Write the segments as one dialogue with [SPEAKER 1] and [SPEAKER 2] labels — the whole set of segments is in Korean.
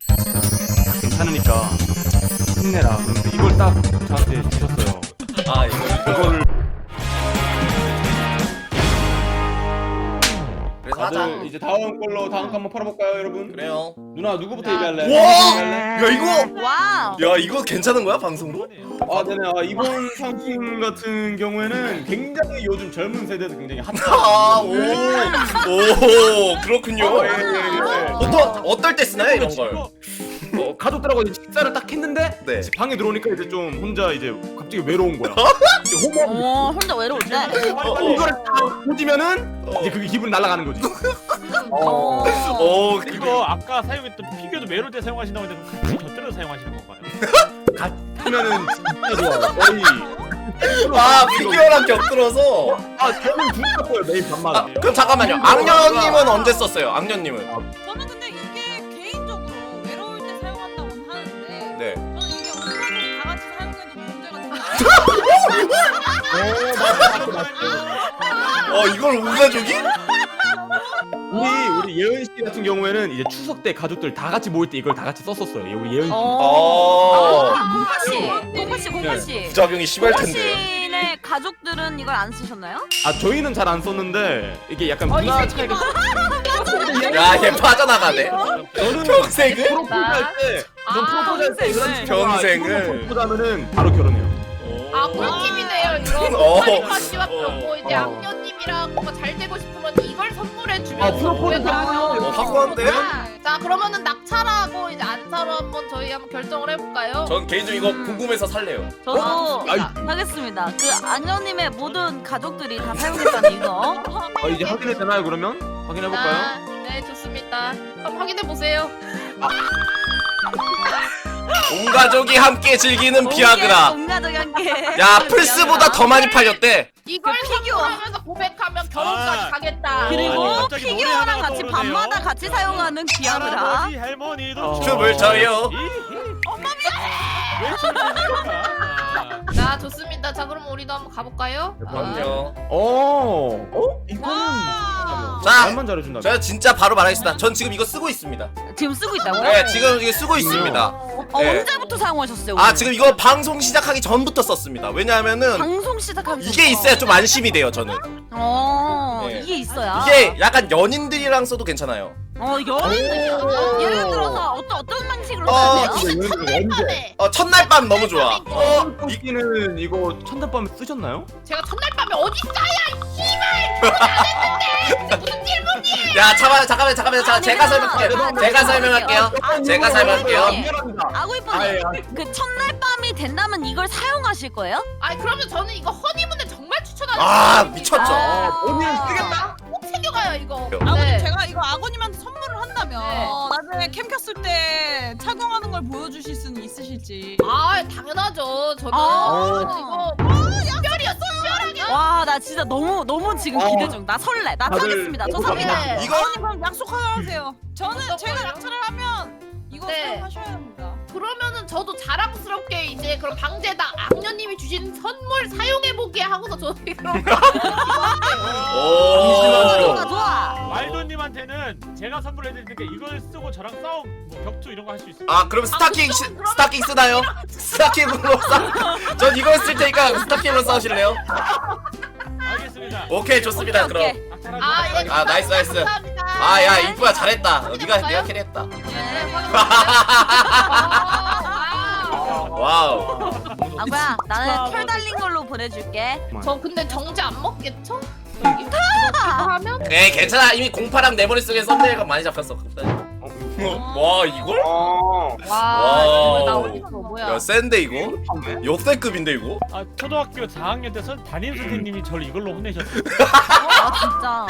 [SPEAKER 1] 괜찮으니까 힘내라. 그런데 이걸 딱 저한테 주셨어요.
[SPEAKER 2] 아 이거를 그래서 하자.
[SPEAKER 1] 다들 이제 다음 걸로 다음 거 한번 팔아볼까요, 여러분?
[SPEAKER 2] 그래요.
[SPEAKER 1] 누나 누구부터 얘기할래?
[SPEAKER 2] 와!
[SPEAKER 1] 얘기할래?
[SPEAKER 2] 야 이거
[SPEAKER 3] 와우.
[SPEAKER 2] 야 이거 괜찮은 거야 방송으로?
[SPEAKER 1] 아, 네네. 아, 이번 상품 같은 경우에는 굉장히 요즘 젊은 세대에서 굉장히 핫한.
[SPEAKER 2] 아오오 그렇군요.
[SPEAKER 1] 예, 예, 예.
[SPEAKER 2] 어떨 때 쓰나요 이런 걸?
[SPEAKER 1] 가족들하고 이제 식사를 딱 했는데
[SPEAKER 2] 네.
[SPEAKER 1] 이제 방에 들어오니까 이제 좀 혼자 이제 갑자기 외로운 거야. 이제 호모
[SPEAKER 3] 혼자 외로울 때.
[SPEAKER 1] 이거를 딱 보지면은 이제 그게 기분이 날아가는 거지.
[SPEAKER 2] 오
[SPEAKER 4] 이거 아까 사용했던 피규어도 메롤 때 사용하신다고 했는데 같이 곁들여서 사용하시는 건가요?
[SPEAKER 1] 그러면은 진짜 좋아요. 거의
[SPEAKER 2] 아 피규어랑 곁들어서.
[SPEAKER 1] 저는 둘다 거예요 매일 밤마다.
[SPEAKER 2] 아 그럼 잠깐만요. 악녀님은 언제 썼어요? 악녀님은?
[SPEAKER 5] 저는 근데 이게 개인적으로 외로울 때 사용한다고 하는데
[SPEAKER 2] 네.
[SPEAKER 5] 저는 이게 온가족 다 같이 사용해도 문제가 된다.
[SPEAKER 2] 이걸 온 가족이?
[SPEAKER 1] 우리 예은 씨 같은 경우에는 이제 추석 때 가족들 다 같이 모일 때 이걸 다 같이 썼었어요. 우리 예은 씨.
[SPEAKER 3] 공파 씨.
[SPEAKER 2] 부작용이 심할 텐데.
[SPEAKER 3] 씨네 가족들은 이걸 안 쓰셨나요?
[SPEAKER 1] 저희는 잘 안 썼는데 이게 약간 문화 차이가.
[SPEAKER 2] 야얘 빠져나가네.
[SPEAKER 1] 저는
[SPEAKER 2] 평생을?
[SPEAKER 1] 프로포즈 할 때, 전 프로포즈 할때 이런 친구가
[SPEAKER 2] 평생을.
[SPEAKER 1] 프로포즈하면은 바로 결혼해요.
[SPEAKER 6] 아 꿀팁이네요 이거.
[SPEAKER 2] 어.
[SPEAKER 6] 파리파씨와 그렇고 이제 악녀님이랑 뭔가 잘 되고 싶으면 이걸 선물해주면
[SPEAKER 1] 프로포즈
[SPEAKER 2] 확고한데?
[SPEAKER 6] 자 그러면은 낙찰하고 이제 안사로 한번 저희 한번 결정을 해볼까요?
[SPEAKER 2] 전 개인적으로 이거 궁금해서 살래요.
[SPEAKER 3] 저도 하겠습니다. 그 악녀님의 모든 가족들이 다 사용했다는 이거.
[SPEAKER 1] 이제 확인해 되나요 그러면? 확인해 볼까요?
[SPEAKER 6] 네 좋습니다. 한번 확인해 보세요.
[SPEAKER 2] 온 가족이 함께 즐기는 비아그라.
[SPEAKER 3] 온 가족이 함께.
[SPEAKER 2] 야 플스보다 더 많이 팔렸대.
[SPEAKER 6] 이걸 선물하면서 고백하면 결혼까지 가겠다.
[SPEAKER 3] 그리고
[SPEAKER 4] 갑자기 노래
[SPEAKER 3] 피규어랑
[SPEAKER 4] 하나가
[SPEAKER 3] 같이
[SPEAKER 4] 떠오르네요.
[SPEAKER 3] 밤마다 같이 사용하는 비아그라.
[SPEAKER 4] 할아버지 할머니도
[SPEAKER 2] 춤을 춰요.
[SPEAKER 6] 자 좋습니다. 자 그럼 우리도 한번 가볼까요?
[SPEAKER 2] 그럼요.
[SPEAKER 1] 이거는
[SPEAKER 2] 자,
[SPEAKER 1] 말만 잘해준다.
[SPEAKER 2] 제가 진짜 바로 말하겠습니다. 전 지금 이거 쓰고 있습니다.
[SPEAKER 3] 지금 쓰고 있다고요?
[SPEAKER 2] 네, 지금 이거 쓰고 있습니다. 네.
[SPEAKER 3] 언제부터 사용하셨어요?
[SPEAKER 2] 아
[SPEAKER 3] 오늘?
[SPEAKER 2] 지금 이거 방송 시작하기 전부터 썼습니다. 왜냐하면은
[SPEAKER 3] 방송 시작하기
[SPEAKER 2] 이게 있어야 좀 안심이 돼요. 저는
[SPEAKER 3] 네. 이게
[SPEAKER 2] 아.
[SPEAKER 3] 있어야.
[SPEAKER 2] 이게 약간 연인들이랑 써도 괜찮아요.
[SPEAKER 3] 연인들이요? 예를 들어서 어떤 방식으로
[SPEAKER 2] 어,
[SPEAKER 3] 사용해요?
[SPEAKER 6] 첫날밤에
[SPEAKER 2] 첫날 밤 너무 좋아.
[SPEAKER 1] 이기는 이거 첫날밤에 쓰셨나요?
[SPEAKER 6] 제가 첫날밤에 어디 있어요? 씨발 결혼 안 했는데 무슨 질문이에요?
[SPEAKER 2] 야 잠깐만 제가 설명할게요. 제가 설명할게요. 제가 설명할게요.
[SPEAKER 1] 미안합니다.
[SPEAKER 3] 아고 이쁜이 그 첫날 밤이 된다면 이걸 사용하실 거예요?
[SPEAKER 6] 아니 그러면 저는 이거 허니문에 정말 추천하는
[SPEAKER 2] 아 미쳤죠.
[SPEAKER 1] 오늘 쓰겠다.
[SPEAKER 6] 꼭 챙겨가요 이거.
[SPEAKER 5] 아버님
[SPEAKER 6] 네.
[SPEAKER 5] 제가 이거 아버님한테 선물을 한다면
[SPEAKER 6] 네.
[SPEAKER 5] 나중에 캠 켰을 때 착용하는 걸 보여주실 수는 있으실지.
[SPEAKER 6] 아 당연하죠. 저는
[SPEAKER 3] 아.
[SPEAKER 6] 이거 특별이요 특별하게.
[SPEAKER 3] 와 나 진짜 너무 지금 기대 중. 나 설레. 나
[SPEAKER 1] 다들
[SPEAKER 3] 사겠습니다. 저
[SPEAKER 1] 너무
[SPEAKER 3] 삽니다.
[SPEAKER 6] 네.
[SPEAKER 2] 이거
[SPEAKER 5] 아버님 그럼 약속 하나 하세요. 저는
[SPEAKER 6] 어떤
[SPEAKER 5] 제가
[SPEAKER 6] 거요?
[SPEAKER 5] 낙찰을 하면 이거
[SPEAKER 6] 네.
[SPEAKER 5] 사용하셔야 합니다.
[SPEAKER 6] 그러면은 저도 자랑스럽게 이제 그럼 방제당 악녀님이 주신 선물 사용해보게 하고서 저도 그럼
[SPEAKER 2] 오.
[SPEAKER 3] 좋아.
[SPEAKER 4] 말도님한테는 제가 선물해드릴 테니까 이걸 쓰고 저랑 싸움, 뭐 격투 이런 거 할 수 있어요.
[SPEAKER 2] 아 그럼 스타킹 쓰나요? 스타킹으로 전 이거 쓸 테니까 스타킹으로 싸우실래요?
[SPEAKER 4] 알겠습니다.
[SPEAKER 2] 오케이 좋습니다. 그럼.
[SPEAKER 3] 오케이.
[SPEAKER 6] 예.
[SPEAKER 2] 아, 나이스.
[SPEAKER 6] 감사합니다.
[SPEAKER 2] 아야 이쁘야 잘했다. 내가 캐리했다.
[SPEAKER 6] 네,
[SPEAKER 2] 와우.
[SPEAKER 3] 아구야 나는 털 달린 걸로 보내줄게.
[SPEAKER 6] 저 근데 정지 안 먹겠죠? 여기 이거 하면
[SPEAKER 2] 에 괜찮아. 이미 공파랑 내 머릿속에 썸네일가 많이 잡혔어. 와 이걸?
[SPEAKER 6] 와
[SPEAKER 2] 와우.
[SPEAKER 6] 이거 나 어디서 뭐야?
[SPEAKER 2] 야 센데 이거? 역대급인데 이거?
[SPEAKER 4] 아 초등학교 4학년 때 담임 선생님이 저를 이걸로 혼내셨어요.
[SPEAKER 3] 아 진짜.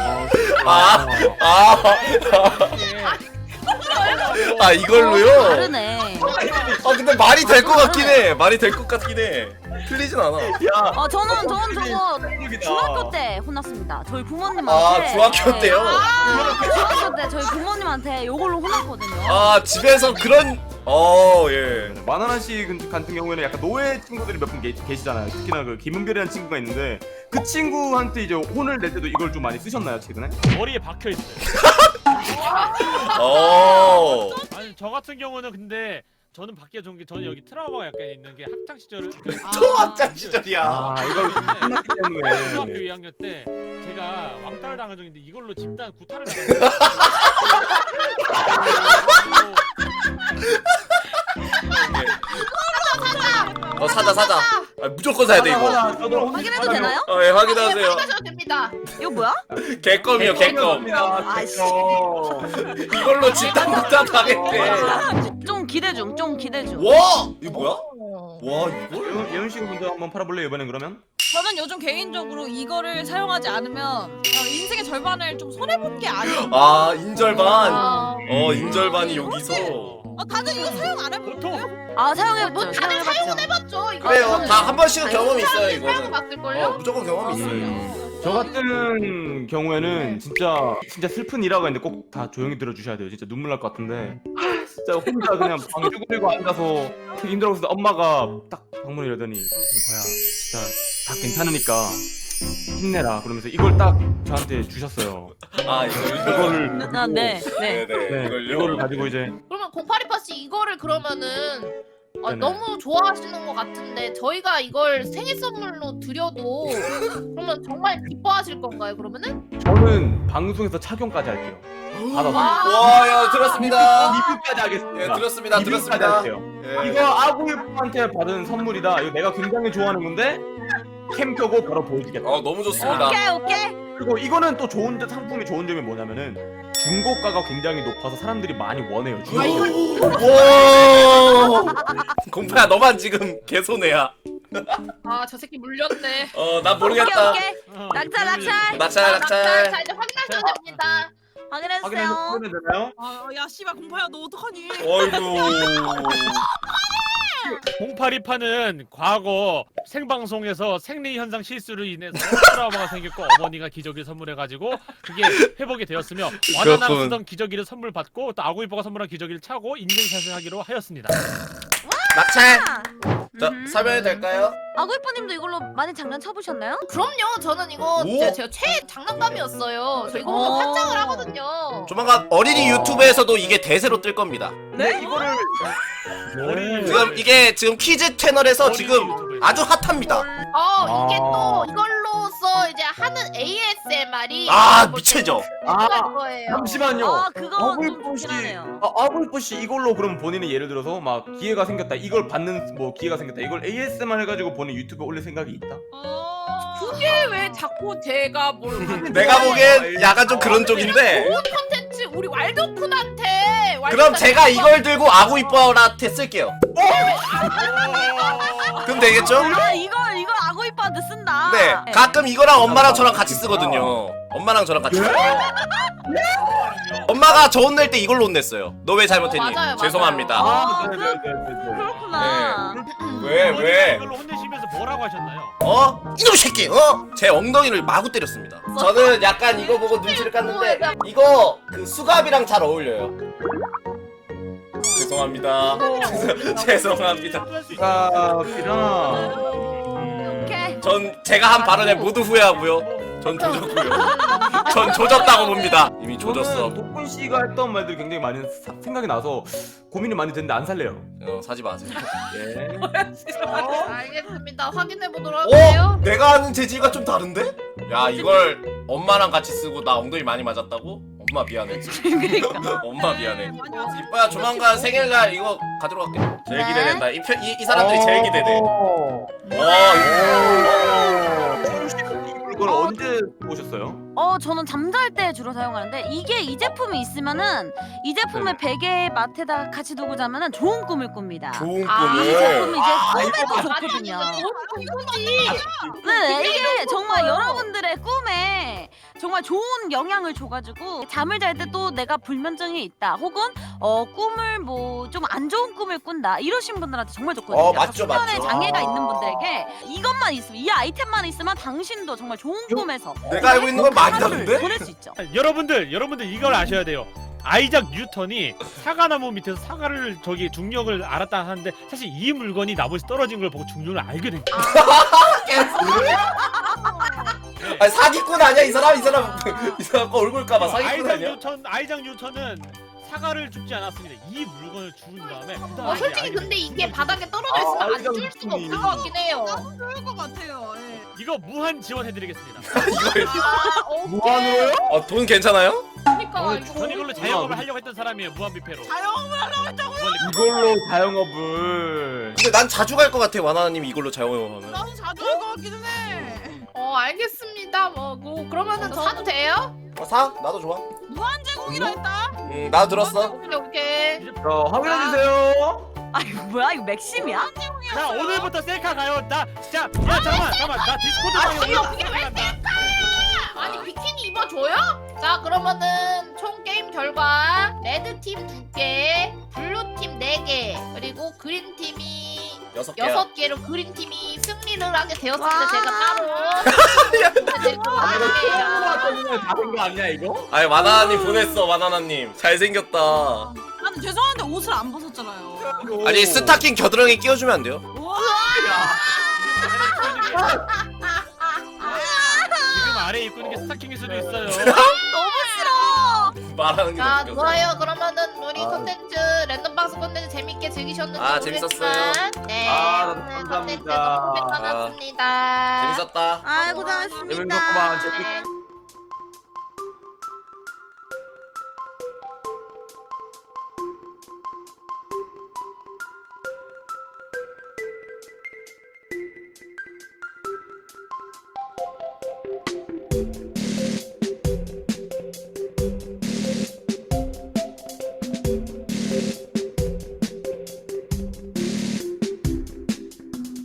[SPEAKER 2] 아 이걸로요?
[SPEAKER 3] 다르네.
[SPEAKER 2] 아 근데 말이 될 것 같긴 해. 말이 될 것 같긴 해. 틀리진 않아.
[SPEAKER 3] 저는 저거 중학교 때 혼났습니다. 저희 부모님한테.
[SPEAKER 2] 아 중학교 때요?
[SPEAKER 3] 네, 중학교 때 저희 부모님한테 이걸로 혼났거든요.
[SPEAKER 2] 아 집에서 그런 예.
[SPEAKER 1] 만화나 씨 같은 경우에는 약간 노예 친구들이 몇 분 계시잖아요. 특히나 그 김은별이라는 친구가 있는데 그 친구한테 이제 혼을 낼 때도 이걸 좀 많이 쓰셨나요 최근에?
[SPEAKER 4] 머리에 박혀 있어요.
[SPEAKER 2] 어.
[SPEAKER 4] 아니 저 같은 경우는 근데 저는 밖에 좋은 게 저는 여기 트라우마가 약간 있는 게 학창 시절을
[SPEAKER 2] 또 학창 시절이야.
[SPEAKER 1] 아 이거 끝났기
[SPEAKER 4] 중학교
[SPEAKER 1] 때문에
[SPEAKER 4] 2학년 때 제가 왕따를 당한 적인데 이걸로 집단 구타를 당했어요.
[SPEAKER 2] 사자. 아, 무조건 사야 돼 이거.
[SPEAKER 3] 확인해도 되나요?
[SPEAKER 2] 예, 확인하세요.
[SPEAKER 6] 확인하셔도 됩니다.
[SPEAKER 3] 이거 뭐야?
[SPEAKER 2] 개껌이요, 개껌.
[SPEAKER 3] 아이씨.
[SPEAKER 2] 이걸로 집단 구타 당했대.
[SPEAKER 3] 좀 기대 중, 좀 기대 중.
[SPEAKER 2] 와, 이거 뭐야? 와, 이걸?
[SPEAKER 1] 예은 씨가 먼저 한번 팔아볼래요 이번엔 그러면?
[SPEAKER 5] 저는 요즘 개인적으로 이거를 사용하지 않으면 인생의 절반을 좀 손해 본 게 아니에요.
[SPEAKER 2] 아, 인절반.
[SPEAKER 6] 아,
[SPEAKER 2] 인절반이 여기서.
[SPEAKER 5] 다들 이거 사용 안 해보세요?
[SPEAKER 4] 보통
[SPEAKER 3] 아 사용해봤죠.
[SPEAKER 6] 뭐 다들 사용해봤죠. 이거
[SPEAKER 2] 그래요, 다 한 번씩은 경험이 있어요
[SPEAKER 6] 사람들이
[SPEAKER 2] 이거는.
[SPEAKER 6] 사용해봤을걸요?
[SPEAKER 2] 무조건 경험이 있어요.
[SPEAKER 1] 저 같은 경우에는 진짜 슬픈 일화가 있는데 꼭 다 조용히 들어주셔야 돼요. 진짜 눈물 날 것 같은데 진짜 혼자 그냥 방 쭈그리고 앉아서 되게 힘들어서 엄마가 딱 방문을 열더니 이거야 진짜 다 괜찮으니까 힘내라 그러면서 이걸 딱 저한테 주셨어요.
[SPEAKER 2] 아,
[SPEAKER 1] 이거를
[SPEAKER 3] 아, 네, 네.
[SPEAKER 1] 네, 이거를 가지고 이제
[SPEAKER 6] 그러면 0828씨 이거를 그러면은
[SPEAKER 1] 네네.
[SPEAKER 6] 너무 좋아하시는 것 같은데 저희가 이걸 생일 선물로 드려도 그러면 정말 기뻐하실 건가요? 그러면은?
[SPEAKER 1] 저는 방송에서 착용까지 할게요. 받아서
[SPEAKER 2] 와, 야, 들었습니다.
[SPEAKER 1] 리뷰까지 하겠습니다.
[SPEAKER 2] 예, 들었습니다.
[SPEAKER 1] 리뷰까지
[SPEAKER 2] 들었습니다.
[SPEAKER 1] 할게요.
[SPEAKER 2] 예.
[SPEAKER 1] 이거 아구이프한테 받은 선물이다. 이거 내가 굉장히 좋아하는 건데 캠 켜고 바로 보여주겠다.
[SPEAKER 2] 너무 좋습니다.
[SPEAKER 3] 오케이.
[SPEAKER 1] 그리고 이거는 또 좋은 상품이 좋은 점이 뭐냐면은 중고가가 굉장히 높아서 사람들이 많이 원해요. 중고.
[SPEAKER 2] 와. 공파야, 너만 지금 개손해야.
[SPEAKER 6] 아 저 새끼 물렸네.
[SPEAKER 2] 난 모르겠다.
[SPEAKER 3] 오케이. 낙찰.
[SPEAKER 2] 낙찰.
[SPEAKER 6] 자 이제 확인하셔도 됩니다.
[SPEAKER 3] 확인해주세요.
[SPEAKER 1] 확인해서 되나요?
[SPEAKER 5] 야 씨발 공파야 너 어떡하니?
[SPEAKER 2] 어이구.
[SPEAKER 4] 0828은 과거 생방송에서 생리 현상 실수로 인해서 트라우마가 생겼고 어머니가 기저귀 선물해가지고 그게 회복이 되었으며 와나나
[SPEAKER 2] 그렇군.
[SPEAKER 4] 쓰던 기저귀를 선물 받고 또 아구이뽀가 선물한 기저귀를 차고 인증샷을 하기로 하였습니다.
[SPEAKER 2] 낙찰. 자, 설명해도 될까요?
[SPEAKER 3] 아구이뽀님도 이걸로 많이 장난 쳐보셨나요?
[SPEAKER 6] 그럼요. 저는 이거
[SPEAKER 2] 오.
[SPEAKER 6] 제가 최애 장난감이었어요. 저 이거 보면 환장을 하거든요.
[SPEAKER 2] 조만간 어린이 유튜브에서도 이게 대세로 뜰 겁니다.
[SPEAKER 1] 네 이거를
[SPEAKER 2] 지금 이게 지금 퀴즈 채널에서 지금 아주 핫합니다.
[SPEAKER 6] 이게 또 이걸로써 이제 하는 ASMR이
[SPEAKER 2] 미쳐져.
[SPEAKER 6] 거예요.
[SPEAKER 1] 잠시만요.
[SPEAKER 3] 아 그거 좀
[SPEAKER 1] 아구이뽀 씨,
[SPEAKER 3] 좋긴 하네요.
[SPEAKER 1] 아구이뽀 씨 이걸로 그럼 본인이 예를 들어서 막 기회가 생겼다. 이걸 받는 뭐 기회가 생겼다. 이걸 ASMR 해가지고 본인 유튜브에 올릴 생각이 있다.
[SPEAKER 5] 그게 왜 자꾸 제가 뭘
[SPEAKER 2] 내가 보기엔 약간 좀 그런 쪽인데.
[SPEAKER 6] 좋은 컨텐츠 우리 왈도쿤한테
[SPEAKER 2] 그럼 제가 이걸 들고 아구이뻐한테 쓸게요. 그럼 되겠죠?
[SPEAKER 3] 아 이거 아구이뽀한테 쓴다.
[SPEAKER 2] 네, 가끔 이거랑 엄마랑 저랑 같이 쓰거든요. 엄마랑 저랑 같이. 엄마가 저 혼낼 때 이걸로 혼냈어요. 너 왜 잘못했니?
[SPEAKER 6] 맞아요.
[SPEAKER 2] 죄송합니다.
[SPEAKER 3] 아,
[SPEAKER 1] 네네네네.
[SPEAKER 3] 그렇구나.
[SPEAKER 2] 왜?
[SPEAKER 4] 이걸로 혼내시면서 뭐라고 하셨나요?
[SPEAKER 2] 이놈 새끼! 제 엉덩이를 마구 때렸습니다. 저는 약간 이거 보고 눈치를 깠는데 이거 그 수갑이랑 잘 어울려요. 죄송합니다. 죄송합니다.
[SPEAKER 1] 수갑이랑
[SPEAKER 3] 오케이.
[SPEAKER 2] 전 제가 한 발언에 모두 후회하고요. 전 조졌고요. 전 조졌다고 봅니다. 이미 조졌어.
[SPEAKER 1] 독군 씨가 했던 말들이 굉장히 많이 생각이 나서 고민이 많이 됐는데 안 살래요.
[SPEAKER 2] 사지 마세요.
[SPEAKER 1] 예.
[SPEAKER 6] 알겠습니다. 확인해 보도록 할게요.
[SPEAKER 2] 내가 아는 재질과 좀 다른데? 야, 이걸 엄마랑 같이 쓰고 나 엉덩이 많이 맞았다고? 엄마 미안해. 엄마 미안해. 이뻐야 조만간 생일날 이거 가지러 갈게. 제일 기대된다. 이 사람들이 제일 기대돼.
[SPEAKER 1] 이걸 언제 보셨어요?
[SPEAKER 3] 저는 잠잘 때 주로 사용하는데 이게 이 제품이 있으면은 이 제품을 베개 맡에다 같이 두고 자면은 좋은 꿈을 꿉니다.
[SPEAKER 2] 좋은
[SPEAKER 3] 이
[SPEAKER 2] 꿈을.
[SPEAKER 3] 제품이 이제 꿈에도
[SPEAKER 6] 아니
[SPEAKER 3] 좋거든요.
[SPEAKER 6] 이거지.
[SPEAKER 3] 네, 이게 정말 여러분들의 꿈에 정말 좋은 영향을 줘가지고 잠을 잘 때 또 내가 불면증이 있다 혹은 꿈을 뭐 좀 안 좋은 꿈을 꾼다 이러신 분들한테 정말 좋거든요.
[SPEAKER 2] 맞죠,
[SPEAKER 3] 수면에
[SPEAKER 2] 맞죠.
[SPEAKER 3] 장애가 있는 분들에게 이것만 있으면 이 아이템만 있으면 당신도 정말 좋은 꿈에서
[SPEAKER 2] 내가 알고 있는 건 많이 다른데?
[SPEAKER 3] 보낼 수 있죠.
[SPEAKER 4] 여러분들 이걸 아셔야 돼요. 아이작 뉴턴이 사과나무 밑에서 사과를 중력을 알았다 하는데 사실 이 물건이 나무에서 떨어진 걸 보고 중력을 알게 된 거예요.
[SPEAKER 2] 사기꾼 아니야 이 사람 거 얼굴 까봐 사기꾼 아니야?
[SPEAKER 4] 아이작 뉴턴은 사과를 줍지 않았습니다. 이 물건을 준 다음에 그 다음에
[SPEAKER 6] 솔직히 근데 이게 바닥에 떨어져 있으면 안 줄 수가 없을 것 같긴 해요.
[SPEAKER 5] 좋을 것 같아요. 예.
[SPEAKER 4] 이거 무한 지원해드리겠습니다.
[SPEAKER 1] 무한으로요?
[SPEAKER 2] 돈 괜찮아요?
[SPEAKER 6] 그러니까 이거
[SPEAKER 4] 전 이걸로 자영업을 하려고 했던 사람이에요. 무한 뷔페로.
[SPEAKER 5] 자영업을 하려고 했다고.
[SPEAKER 1] 이걸로 자영업을.
[SPEAKER 2] 근데 난 자주 갈 것 같아 와나나님 이걸로 자영업하면.
[SPEAKER 5] 나도 자주 할 것 같기는 해.
[SPEAKER 6] 알겠습니다. 뭐 그러면은 사도 돼요?
[SPEAKER 2] 사? 나도 좋아.
[SPEAKER 5] 무한 제공이라 했다.
[SPEAKER 2] 나도 들었어.
[SPEAKER 6] 오케이.
[SPEAKER 1] 확인해 주세요.
[SPEAKER 3] 아 이거 뭐야 이거 맥심이야?
[SPEAKER 4] 자 오늘부터 셀카 가요. 나 진짜 야 잠깐만 나 디스코드 방에
[SPEAKER 6] 그게 왜
[SPEAKER 4] 올라간다.
[SPEAKER 6] 아니 비키니 입어줘요? 자 그러면은 총 게임 결과 레드팀 2개, 블루팀 4개, 그리고 그린팀이
[SPEAKER 2] 6개야.
[SPEAKER 6] 6개로 그린팀이 승리를 하게 되었습니다.
[SPEAKER 3] 와.
[SPEAKER 6] 제가 따로 할게요.
[SPEAKER 1] 다된 거 아니야 이거?
[SPEAKER 2] 아니 와나나님 보냈어 와나나님. 잘생겼다.
[SPEAKER 5] 나는 죄송한데 옷을 안 벗었잖아요.
[SPEAKER 2] 아니 스타킹 겨드랑이 끼워주면 안 돼요?
[SPEAKER 4] 지금 아래 입고 있는 게 스타킹일 수도 있어요.
[SPEAKER 3] 너무 싫어.
[SPEAKER 2] 말하는 게
[SPEAKER 6] 자
[SPEAKER 2] 웃겨서.
[SPEAKER 6] 좋아요. 그러면은 우리 컨텐츠 랜덤박스 컨텐츠 재밌게 즐기셨는지
[SPEAKER 2] 아,
[SPEAKER 6] 모르겠지만
[SPEAKER 2] 재밌었어요.
[SPEAKER 6] 네
[SPEAKER 1] 아,
[SPEAKER 6] 오늘
[SPEAKER 1] 감사합니다.
[SPEAKER 6] 컨텐츠 너무 고생하셨습니다.
[SPEAKER 2] 재밌었다.
[SPEAKER 3] 아 고생하셨습니다.
[SPEAKER 1] 재밌었구만.
[SPEAKER 6] 네.